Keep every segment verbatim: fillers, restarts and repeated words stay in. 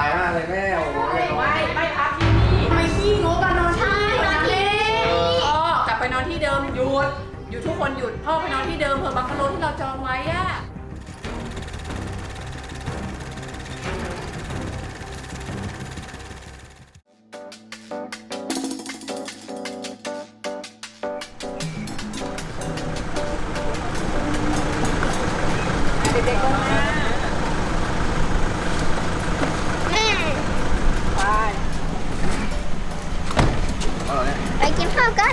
ายมากเลยแม่โอ้โหไม่ไม่ไม่พักที่นี่ไม่ขี้งกกันนอนที่นี่นอนที่พ่อกลับไปนอนที่เดิมหยุดหยุดทุกคนหยุดพ่อไปนอนที่เดิมเผื่อบังกะโลที่เราจองไว้อะเด็กๆลงมาไปเอาเนี่ยไปกินข้าวกัน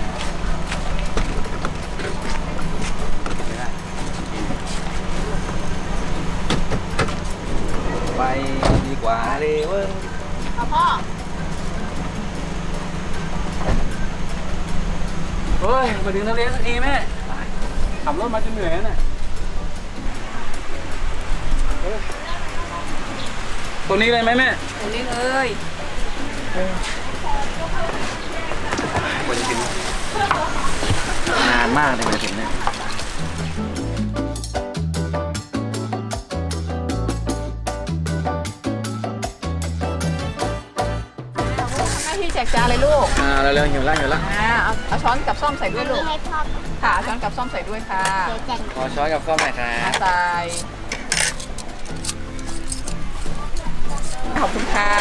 ไปดีกว่าเลยเว้ยเอาพ่อเฮ้ยมาถึงทะเลสักทีแม่ขับรถมาจนเหนื่อยแล้วน่ะเฮ้ยตรงนี้เลยไหมแม่ตรงนี้เลยกว่าจะถึงนานมากเลยกว่าจะถึงเนี่ยทำหน้าที่แจกจานเลยลูกอ่าเร็วๆหิวละหิวละอ่าเอาเอาช้อนกับซ่อมใส่ด้วยลูกให้พ่อค่ะเอาช้อนกับซ่อมใส่ด้วยค่ะเดี๋ยวแจกขอช้อนกับข้าวหน่อยครัอ่าบใส่ขอบคุณค่ะ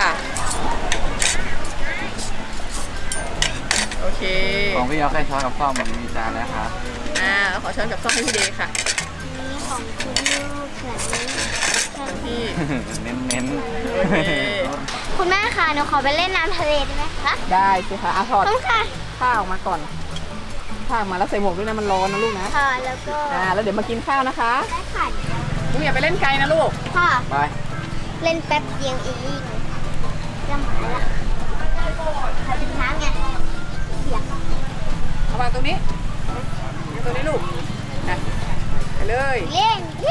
โอเคของพี่ยอแค่ช้อนกับข้าวมันมีจานแล้วครับอ่าขอช้อนกับซ่อมให้พี่เดย์ค่ะนี่ของคุณลูกส่วนนี้ส่วนพี่เน้นเน้นโอเคคุณแม่ค่ะหนูขอไปเล่นน้ำทะเลได้ไหมคะได้สิคะเอาถอดต้องค่ะข้าวออกมาก่อนข้าวออกมาแล้วใส่หมวกด้วยนะมันร้อนนะลูกนะค่ะแล้วก็อ่าแล้วเดี๋ยวมากินข้าวนะคะได้ค่ะลูกอย่าไปเล่นไกลนะลูกพ่อไปเล่นแป๊บเดียวเองจะหมาละขอกินน้ำไงเสียงเอาวางตรงนี้วางตรงนี้ลูกนะไปเลยเล่นเย้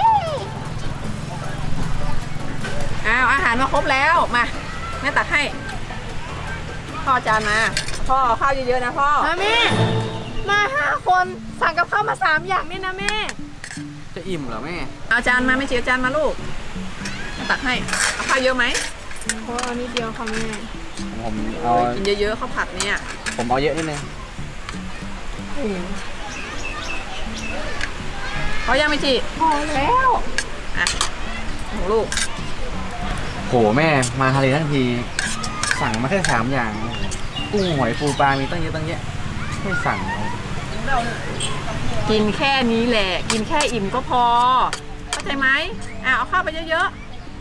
อ้าวอาหารมาครบแล้วมาแม่ตักให้พ่อจานมาพ่อเอาข้าวเยอะๆนะพ่อแม่มาห้าคนสั่งกับข้าวมาสามอย่างนี่นะแม่จะอิ่มเหรอแม่เอาจานมาไม่เชียวจานมาลูกตักให้เอาข้าวเยอะไหมพอนิดเดียวค่ะแม่ผมเอากินเยอะๆข้าวผัดเนี่ยผมเอาเยอะนิดนึงเขายังไม่จีพอแล้วอ่ะของลูกโหแม่มาทะเลทั้งทีสั่งมาแค่สามอย่างกุ้งหอยปูปลามีตั้งเยอะตั้งแยะไม่สั่งเอากินแค่นี้แหละ กินแค่อิ่มก็พอเข้าใจไหมอ่ะเอาข้าวไปเยอะ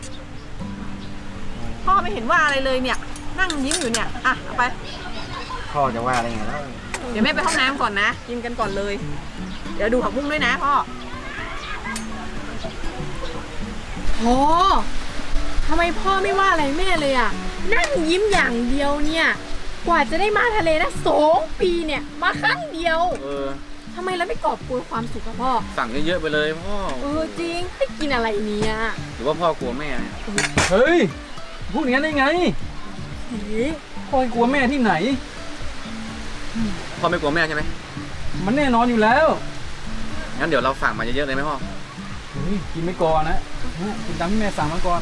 ๆพ่อไม่เห็นว่าอะไรเลยเนี่ย นั่งยิ้มอยู่เนี่ยอ่ะเอาไปพ่อจะว่าอะไรไงแล้วเดี๋ยวแม่ไปห้องน้ำก่อนนะ กินกันก่อนเลย เดี๋ยวดูผักบุ้งด้วยนะพ่อโอ้ทำไมพ่อไม่ว่าอะไรแม่เลยอ่ะ นั่งยิ้มอย่างเดียวเนี่ย กว่าจะได้มาทะเลนะสองปีเนี่ย มาครั้งเดียวเออทำไมเราไม่กอบโกยความสุขกับพ่อสั่งเยอะๆไปเลยพ่อเออจริงไม่กินอะไรเนี่ยหรือว่าพ่อกลัวแม่เนี่ยเฮ้ยพูดอย่างนั้นได้ไงเฮ้ยพ่อกลัวแม่ที่ไหนพ่อไม่กลัวแม่ใช่ไหมมันแน่นอนอยู่แล้วงั้นเดี๋ยวเราสั่งมาเยอะๆเลยไหมพ่อเฮ้ยกินไม่ก่อนนะกินตามที่แม่สั่งมาก่อน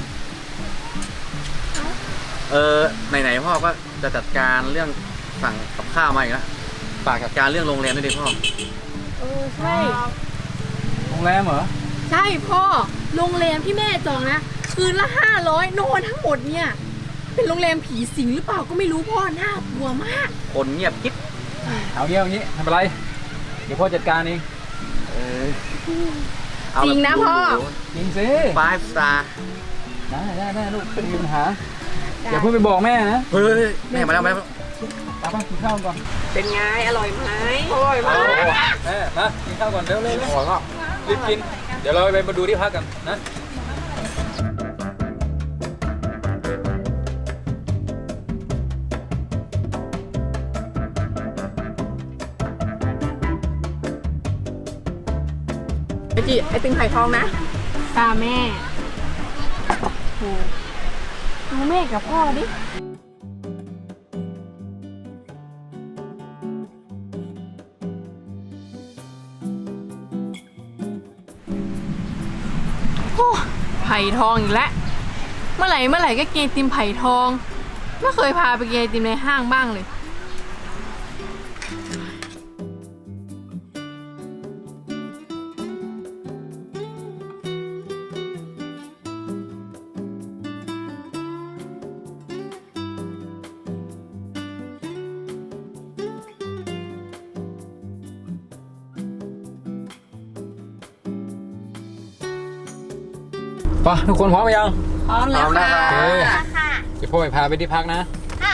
เออไหนๆพ่อก็จะจัดการเรื่องสั่งกับข้าวมาอีกแล้วฝากจัดการเรื่องโรงแรมด้วยดิพ่อเออใช่โรงแรมเหรอใช่พ่อ โรงแรมที่แม่จองนะ คืนละห้าร้อยนอนทั้งหมดเนี่ย เป็นโรงแรมผีสิงหรือเปล่าก็ไม่รู้พ่อ น่ากลัวมากคนเงียบกิ๊บเอางี้เอางี้ไม่เป็นไร เดี๋ยวพ่อจัดการเองเออเอาจริงนะพ่อจริงสิ five star ได้ได้ได้ลูกไม่มีปัญหาอย่าเพิ่งไปบอกแม่นะเฮ้ยแม่มาแล้วมาแล้วตามไปกินข้าวก่อนเป็นไง อร่อยไหมอร่อยมากแม่มากินข้าวก่อนเร็วเร็วเร็วอร่อยมากรีบกิน เดี๋ยวเราไปมาดูที่พักกันนะไอจีไอติงไข่ทองนะตาแม่โอ้ดูแม่กับพ่อดิ ไผ่ทองอีกแล้วเมื่อไหร่เมื่อไหร่ก็กินไอติมไผ่ทองไม่เคยพาไปกินไอติมในห้างบ้างเลยไปทุกคนพร้อมยังพร้อมแล้วค่ะโอเคค่ะเดี๋ยวพ่อไปพาไปที่พักนะค่ะ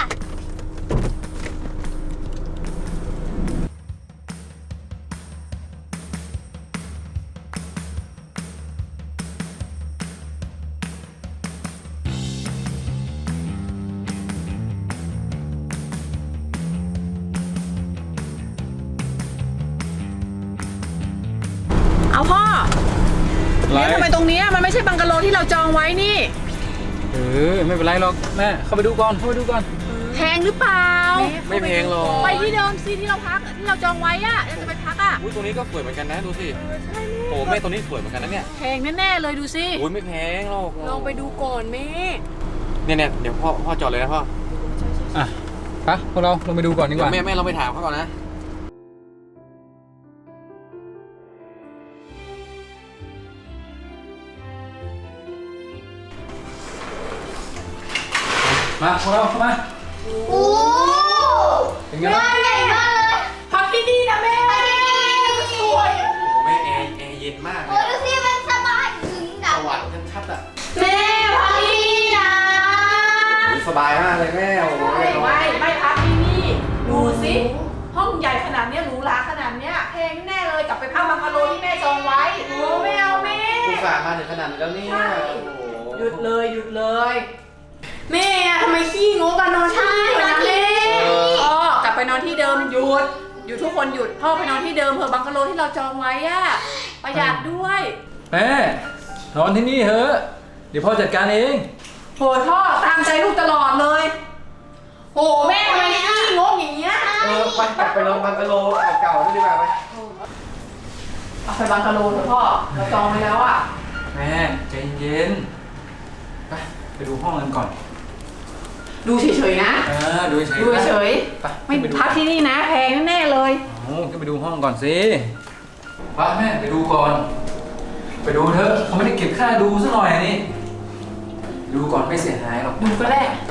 เอาพ่อไรเนี่ยทำไมตรงเนี้ยมันไม่ใช่บังกะโลที่เราจองไว้นี่เออไม่เป็นไรหรอกแม่เข้าไปดูก่อนเข้าไปดูก่อนแพงหรือเปล่าไม่แพงหรอกไปที่เดิมสิที่เราพักที่เราจองไว้อะเราจะไปพักอะอุ้ยตรงนี้ก็สวยเหมือนกันนะดูสิโอ้แม่ตรงนี้สวยเหมือนกันนะเนี่ยแพงแน่ๆเลยดูสิอุ้ยไม่แพงหรอกลองไปดูก่อนแม่เนี่ยเนี่ยเดี๋ยวพ่อพ่อจอดเลยนะพ่ออ่ะไปพวกเราลงไปดูก่อนดีกเดี๋ยว่าวแม่แม่เราไปถามเขาก่อนนะมาพวกเราเข้ามาโอ้เป็นไงบ้านใหญ่มากเลยพักที่นี่นะแม่สวยโอ้แม่แอร์แอร์เย็นมากเลโอ้ยดูสิมันสบายถึงดัสบวรรค์ชัดๆอ่ะแม่พักที่นี่นะอุ๊ยสบายมากเลยแม่โอ้โหไม่ไม่ไม่พักที่นี่ดูสิห้องใหญ่ขนาดเนี้ยหรูหราขนาดเนี้ยแพงแน่เลยกลับไปพักบังกะโลที่แม่จองไว้โอ้ไม่เอาแม่อุตส่าห์มาถึงขนาดนี้แล้วเนี่ยใช่โอ้โหหยุดเลยหยุดเลยแม่อะทำไมขี้งกกันนอนที่นี่นะแม่พ่อกลับไปนอนที่เดิมหยุดหยุดทุกคนหยุดพ่อไปนอนที่เดิมเถอะบังกะโลที่เราจองไว้อะประหยัดด้วยแม่นอนที่นี่เถอะเดี๋ยวพ่อจัดการเองโหพ่อตามใจลูกตลอดเลยโหแม่ทำไมขี้งกอย่างเงี้ยเออไปกลับไปลองบังกะโลเก่าๆนี่ดีกว่าไปเอาไปบังกะโลเถอะพ่อเราจองไว้แล้วอะแม่ใจเย็นไปไปดูห้องกันก่อนดูเฉยๆนะเออดูเฉยๆดูเฉยไปๆไม่ไปดูพักที่นี่นะแพงแน่ๆเลยโอ้ก็ไปดูห้องก่อนสิไปแม่ไปดูก่อน ไปดูเถอะเขาไม่ได้เก็บค่าดูซะหน่อยนี่ ดูก่อนไม่เสียหายหรอกดูก็ได้ไป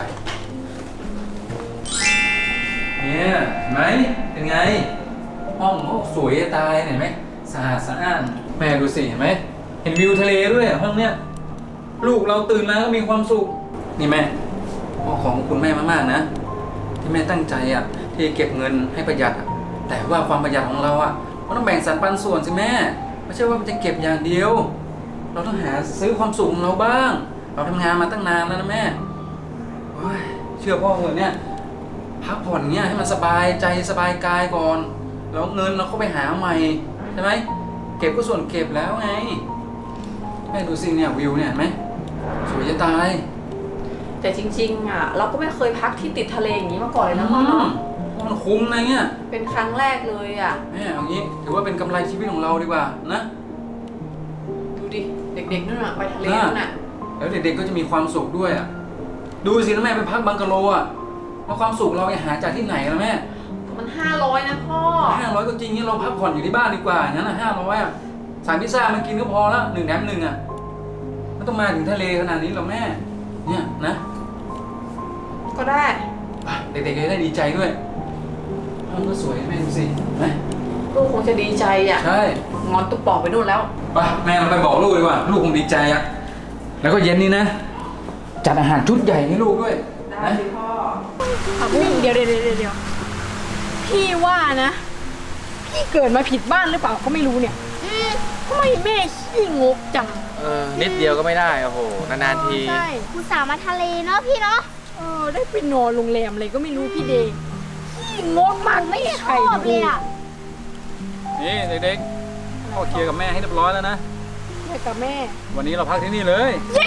เนี่ยเห็นไหมเป็นไง ห้องโอ้สวยจะตายเห็นไหมสะอาดสะอ้านแม่ดูสิเห็นไหมเห็นวิวทะเลด้วยห้องเนี้ยลูกเราตื่นมาก็มีความสุขนี่แม่พ่อของคุณแม่มากๆนะ ที่แม่ตั้งใจอ่ะที่เก็บเงินให้ประหยัดอะแต่ว่าความประหยัดของเราอ่ะมันต้องแบ่งสรรปันส่วนสิแม่ไม่ใช่ว่ามันจะเก็บอย่างเดียว เราต้องหาซื้อความสุขของเราบ้าง เราทำงานมาตั้งนานแล้วนะแม่โอ้ยเชื่อพ่อเถอะเนี่ยพักผ่อนเงี้ยให้มันสบายใจสบายกายก่อนแล้วเงินเราก็ไปหาใหม่ใช่ไหมเก็บก็ส่วนเก็บแล้วไงแม่ดูสิเนี่ยวิวเนี่ยเห็นไหมสวยจะตายแต่จริงๆอ่ะเราก็ไม่เคยพักที่ติดทะเลอย่างนี้มาก่อนเลยนะพ่อเนาะมันคุ้มนะเนี่ยเป็นครั้งแรกเลยอ่ะแม่เอางี้ถือว่าเป็นกำไรชีวิตของเราดีกว่านะดูดิเด็กๆนั่นน่ะไปทะเลนั่นน่ะแล้วเด็กๆก็จะมีความสุขด้วยอ่ะดูสินะแม่ไปพักบังกะโลอ่ะแล้วความสุขเราจะหาจากที่ไหนล่ะแม่มันห้าร้อยนะพ่อห้าร้อยก็จริงนี่เราพักผ่อนอยู่ที่บ้านดีกว่าอย่างนั้นอ่ะห้าร้อยอ่ะสั่งพิซซ่ามากินก็พอแล้วหนึ่งแถมหนึ่งอ่ะไม่ต้องมาถึงทะเลขนาดนี้หรอกแม่เนี่ยนะก็ได้ไปเด็กๆจะได้ดีใจด้วยห้องก็สวยแม่ดูสิเห็นไหมลูกคงจะดีใจอ่ะใช่งอนตุ๊กป่องไปนู่นแล้วไปแม่เราไปบอกลูกดีกว่าลูกคงดีใจอ่ะแล้วก็เย็นนี้นะจัดอาหารชุดใหญ่ให้ลูกด้วยได้นะสิพ่อเดี๋ยวเดี๋ยวเดี๋ยวเดี๋ยวพี่ว่านะ พี่เกิดมาผิดบ้านหรือเปล่าก็ไม่รู้เนี่ยทำไมแม่ขี้งกจังเออนิดเดียวก็ไม่ได้โอ้โหนานๆทีใช่ผู้สาวมาทะเลเนาะพี่เนาะเออได้ไปนอนโรงแรมอะไรก็ไม่รู้พี่เดงขี้งกมากไม่ใครชอบเลยอ่ะนี่เด็กๆพ่อเคลียร์กับแม่ให้เรียบร้อยแล้วนะแม่กับแม่วันนี้เราพักที่นี่เลยเย้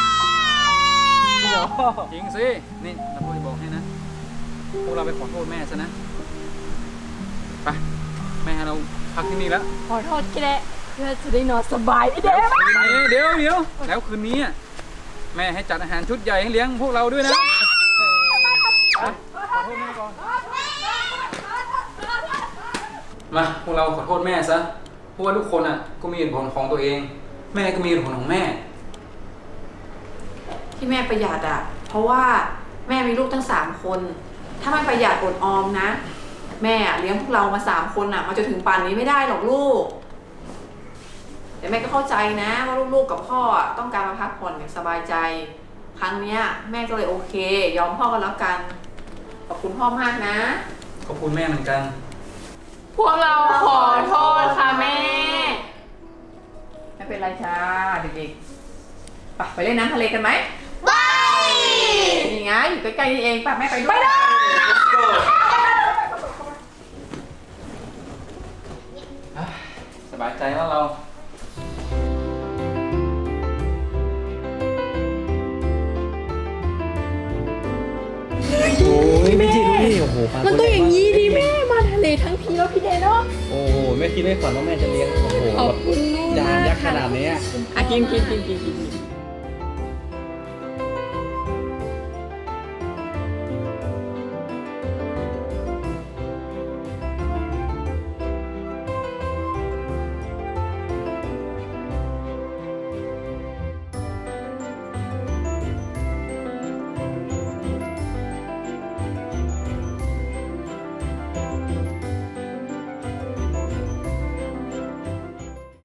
จริงสินี่เราพูดบอกให้นะพวกเราไปขอโทษแม่ซะนะไปแม่ให้เราพักที่นี่แล้วขอโทษแกเพื่อจะได้นอนสบายพี่เดงเดี๋ยวเดี๋ยวเดี๋ยวแล้วคืนนี้อะแม่ให้จัดอาหารชุดใหญ่ให้เลี้ยงพวกเราด้วยนะมาพวกเราขอโทษแม่ซะเพราะว่าทุกคนอ่ะก็มีเหตุผลของตัวเอง แม่ก็มีเหตุผลของแม่ที่แม่ประหยัดอ่ะ เพราะว่าแม่มีลูกทั้งสามคน ถ้าไม่ประหยัดอดออมนะ แม่เลี้ยงพวกเรามาสามคนอ่ะมาจนถึงป่านนี้ไม่ได้หรอกลูก แต่แม่ก็เข้าใจนะว่าลูกๆกับพ่อต้องการมาพักผ่อนอย่างสบายใจ ครั้งเนี้ยแม่ก็เลยโอเค ยอมพ่อกันแล้วกัน ขอบคุณพ่อมากนะขอบคุณแม่เหมือนกันพวกเราขอโทษค่ะแม่ ไม่เป็นไรจ้าเด็กๆไปไปเล่นน้ำทะเลกันไหมไปนี่ไงอยู่ใกล้ๆนี่เองป่ะแม่ไปด้วยสบายใจแล้วเราโอ้ยไม่จริงนี่โอ้โหปลามันต้องอย่างนี้ดิแม่มาทะเลทั้งทีแล้วพี่เดนเนาะโอ้โหไม่คิดไม่ฝันว่าแม่จะเลี้ยงโอ้โหขอบคุณลูกจานมากยักษ์ขนาดนี้อ่ะกินกินกินกินกิน